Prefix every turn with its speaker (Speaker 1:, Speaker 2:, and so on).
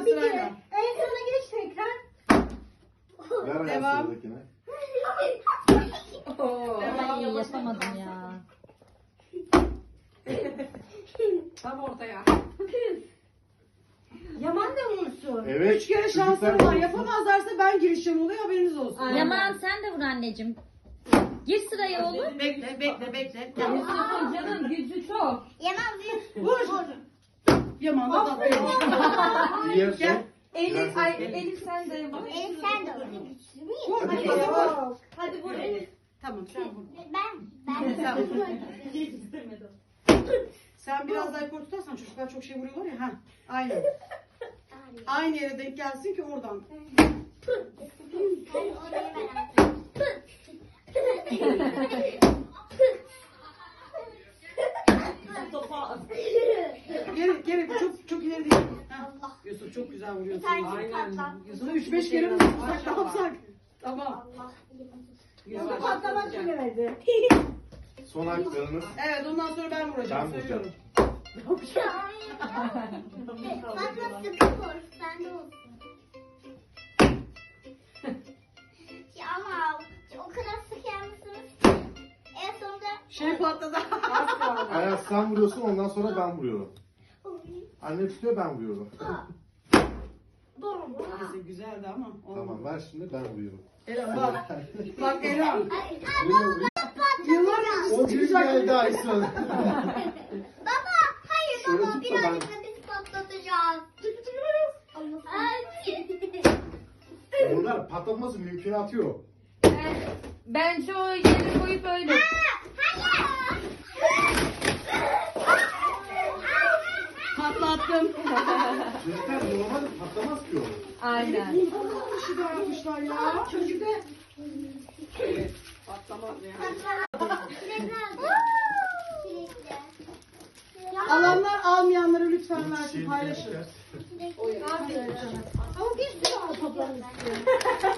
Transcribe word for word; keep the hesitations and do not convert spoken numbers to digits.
Speaker 1: Tamam bir kere. En sona geç tekrar.
Speaker 2: Ver
Speaker 3: Devam.
Speaker 2: sıradakine.
Speaker 4: Ay yapamadım ya.
Speaker 3: Tam ortaya.
Speaker 1: Yaman da vursun.
Speaker 2: Evet.
Speaker 3: Üç kere
Speaker 2: çocuklar
Speaker 3: şansları var.
Speaker 2: vursun.
Speaker 3: Yapamazlarsa ben girişeceğim oluyor, haberiniz olsun.
Speaker 4: Yaman sen de vur anneciğim. Gir sıraya oğlum.
Speaker 3: Bekle, bekle, bekle.
Speaker 4: Canım gücü çok.
Speaker 1: Yaman bir.
Speaker 3: Vur. Yaman da da.
Speaker 2: Diğer son.
Speaker 3: Gel.
Speaker 2: Elif, ay,
Speaker 4: Elif sen de vur.
Speaker 1: Elif sen de vur.
Speaker 3: Vur, hadi
Speaker 2: Hadi.
Speaker 3: vur.
Speaker 1: Hadi vur Elif.
Speaker 3: Tamam, sen vur.
Speaker 1: Ben. Ben.
Speaker 3: Sen vur. Sen biraz daha yukarı tutarsan çocuklar çok şey vuruyorlar ya. Ha, aynen. Aynı yere denk gelsin ki oradan.
Speaker 1: Ben oraya ver.
Speaker 3: Geri, geri, çok çok ileri değil. Ha. Yusuf çok güzel vuruyorsun.
Speaker 1: Aynen.
Speaker 3: Yusuf'u üç beş kere mi vursak ne yapsak? Tamam.
Speaker 1: Yusuf patlamak bilemedi.
Speaker 2: Son haklarınız.
Speaker 3: Evet, ondan sonra ben vuracağım,
Speaker 2: Ben
Speaker 3: söylüyorum.
Speaker 1: Patla sıkı vur. Sen de olsun. Ya ama o kadar sık yanmışsınız ki. En sonunda
Speaker 3: Şey patladı.
Speaker 2: Ayaz sen vuruyorsun, ondan sonra ben vuruyorum. Anne tutuyor, ben vuruyorum.
Speaker 3: Neyse, güzeldi ama.
Speaker 2: Tamam,
Speaker 3: olmadı.
Speaker 2: ver şimdi, ben vuruyorum.
Speaker 3: Eren bak. Bak Eren.
Speaker 1: Ay, baba
Speaker 3: Yıllar önce
Speaker 2: O gün geldi Aysun.
Speaker 1: Baba hayır
Speaker 2: Şöyle
Speaker 1: baba
Speaker 2: tut da
Speaker 1: birazcık
Speaker 2: ben-
Speaker 1: da biz patlatacağız. Ay.
Speaker 2: Bunlar patlatması mümkünatı yok.
Speaker 4: Bence o yeri koyup öyle.
Speaker 3: Patlattım.
Speaker 2: Çocuklar normal patlamaz ki o.
Speaker 4: Aynen.
Speaker 3: Bir şey daha yapmışlar ya. Çocukta. Patlamaz ya. Alanlar almayanlara lütfen versin, paylaşın.
Speaker 1: Ama bir sürü toplarımız.